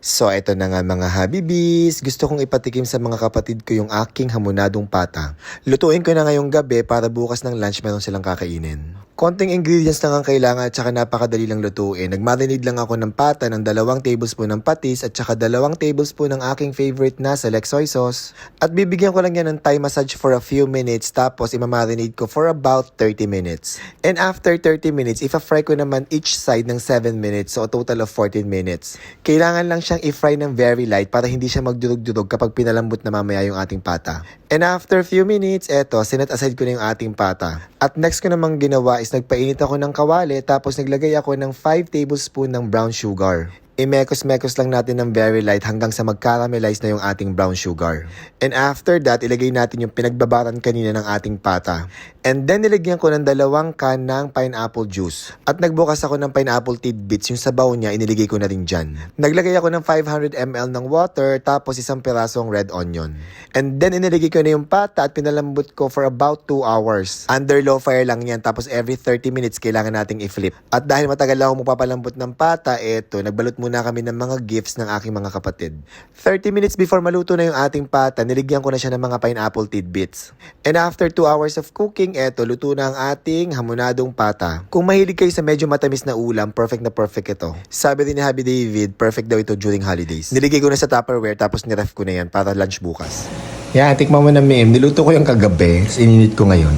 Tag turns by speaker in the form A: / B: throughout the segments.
A: So eto na nga mga habibis, gusto kong ipatikim sa mga kapatid ko yung aking hamonadong pata. Lutuin ko na ngayong gabi para bukas ng lunch meron silang kakainin. Konting ingredients lang ang kailangan at saka napakadali lang lutuin. Nagmarinade lang ako ng pata ng 2 tablespoon ng patis at saka 2 tablespoon ng aking favorite na select soy sauce. At bibigyan ko lang yan ng Thai massage for a few minutes tapos imamarinade ko for about 30 minutes. And after 30 minutes, ipa-fry ko naman each side ng 7 minutes so a total of 14 minutes. Kailangan lang siyang i-fry ng very light para hindi siya magdurog-durog kapag pinalambot na mamaya yung ating pata. And after few minutes, eto, sinet aside ko na yung ating pata. At next ko namang ginawa is nagpainit ako ng kawali tapos naglagay ako ng 5 tablespoon ng brown sugar. I-mekos-mekos lang natin ng very light hanggang sa mag-caramelize na yung ating brown sugar. And after that, ilagay natin yung pinagbabaran kanina ng ating pata. And then nilagyan ko ng 2 can ng pineapple juice. At nagbukas ako ng pineapple tidbits, yung sabaw niya iniligay ko na rin dyan. Naglagay ako ng 500 ml ng water tapos 1 pirasong red onion. And then iniligay ko na yung pata at pinalambot ko for about 2 hours. Under low fire lang yan tapos every 30 minutes kailangan nating i-flip. At dahil matagal ako magpapalambot ng pata, eto, nagbalot muna kami ng mga gifts ng aking mga kapatid. 30 minutes before maluto na yung ating pata, niligyan ko na siya ng mga pineapple tidbits. And after 2 hours of cooking, eto, luto na ang ating hamonadong pata. Kung mahilig kayo sa medyo matamis na ulam, perfect na perfect ito. Sabi din ni Happy David, perfect daw ito during holidays. Niligay ko na sa Tupperware tapos niref ko na yan para lunch bukas. Yan, tikman mo na ma'am. Niluto ko yung kagabi, ininit ko ngayon.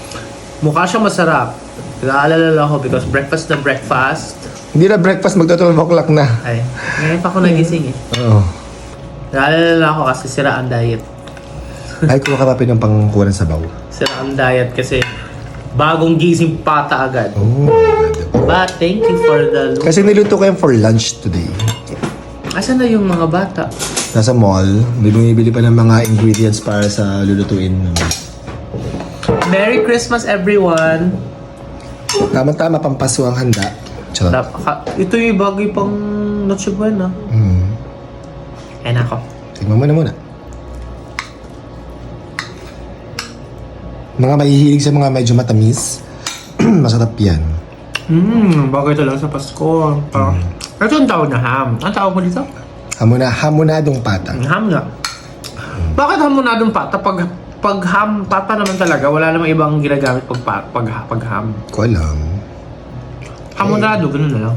B: Mukha siya masarap. Naalala lang ako because breakfast na breakfast.
A: Hindi na breakfast, magto-12 o'clock na.
B: Ay, ngayon pa ako nagising eh.
A: Oo.
B: Naalala lang ako kasi sira ang diet.
A: Ay, kuha ka pa pinang sa sabaw.
B: Sira ang diet kasi bagong gising pata agad.
A: Oh,
B: But thank you for the look.
A: kasi niluto ko yan for lunch today.
B: Asan na yung mga bata?
A: Nasa mall, may bumibili pa ng mga ingredients para sa lulutuin.
B: Merry Christmas everyone!
A: Tama-tama, pampaso ang handa. Charot.
B: Ito yung bagay pang Noche Buena. Ay nako.
A: Tingnan mo na muna. Mga mahihilig sa mga medyo matamis, masarap yan.
B: Bagay talaga sa Pasko. Ito yung tawag na ham. Ang tawag mo dito?
A: Hamonadong pata.
B: Ham nga. Bakit hamonadong pata? Pag ham, pata naman talaga. Wala namang ibang ginagamit pag ham.
A: Ko alam.
B: Hamonado, ganun na lang.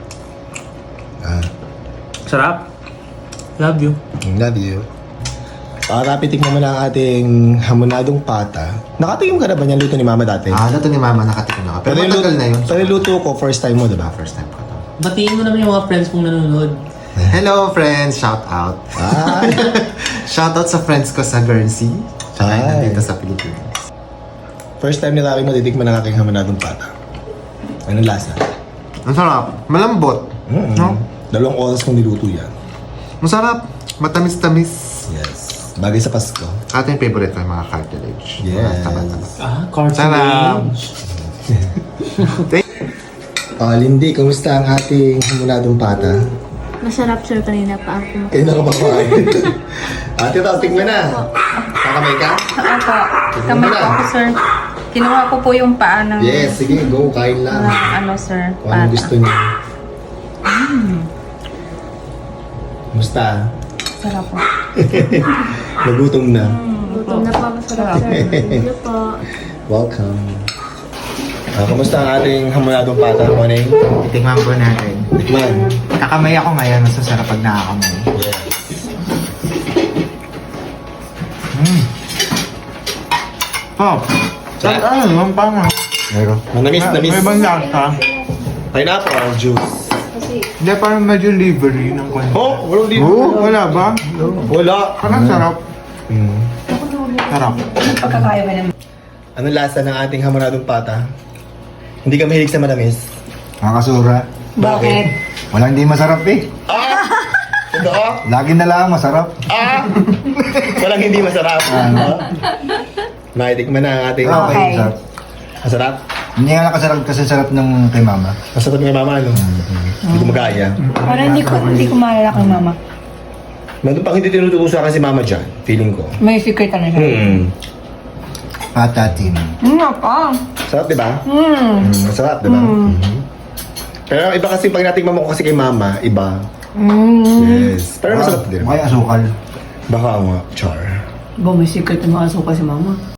B: Sarap. Love you.
A: Love you. Para pitikman mo na ang ating hamonadong pata. Nakatikim ka na ba niyan luto ni Mama dati?
C: Luto ni Mama, nakatikim na ka. Pero matagal na yun.
A: Pero yung luto ko, first time mo, diba?
C: First time ko to.
B: Batiin mo naman yung mga friends mong nanonood.
C: Hello friends! Shout out! Shout out sa friends ko sa Guernsey. Tsaka
A: Hi.
C: nandito sa Pilipinas.
A: First time nila aking matitikman ng aking hamonadong pata. Anong lasa?
C: Ang sarap. Malambot. No?
A: 2 oras kong niluto yan.
C: Masarap. Matamis-tamis.
A: Yes. Bagay sa Pasko.
C: Ating favorite ko yung mga cartilage.
A: Yes.
C: Mga taba-taba.
B: Cartilage.
A: Lindy, kumusta ang ating hamonadong pata?
D: Masarap sir, kanina pa ako.
A: Kayo na kumakain. Ate, tikman na. Kakamay ka?
D: Opo, kamay ko ako sir. Kinuha ko po yung paa ng
A: Yes, sige, go. Kain lang.
D: sir,
A: Kung anong gusto niyo. Kumusta?
D: Sarap po.
A: Nagutom na.
D: Gutom na po, masarap sir. Thank you po.
A: Welcome. Kumusta ang ating hamonadong pata, Moneng?
C: Itikman po natin.
A: Tikman.
C: Kakamay ako ngayon. Masasarap pag nakakamay.
A: Yes.
C: Oh! Saan ano? Ang panga.
A: Meron. Manamis.
C: May ibang lasa.
A: Pineapple juice.
C: Hindi, parang medyo livery ng kwento.
A: Oh, walang dito.
C: Wala ba?
A: Wala.
C: Parang sarap. Sarap.
A: Anong lasa ng ating hamonadong pata? Hindi ka mahilig sa manamis?
C: Nakakasura.
A: Bakit?
C: Walang hindi masarap eh.
A: Totoo?
C: Lagi na lang masarap.
A: Walang hindi masarap. Naitikman na ang ating...
C: Okay. Sarap.
A: Masarap?
C: Hindi nga nakasarap kasi sarap ng kay Mama.
A: Masarap nga mama, ano? Hindi ko magaya.
D: Parang hindi ko maalala kay mama.
A: Nandun pang hindi tinuturo sa akin si mama dyan. Feeling ko.
D: May secret na siya.
C: Patatin.
D: Pa.
A: Sarap, di ba? Masarap, di ba? Pero iba kasi pag natikman mo ko kasi kay mama, iba. Yes. Pero masarap din.
E: May asukal.
A: Baka nga, char.
F: Ba, may secret na mga asukal si mama.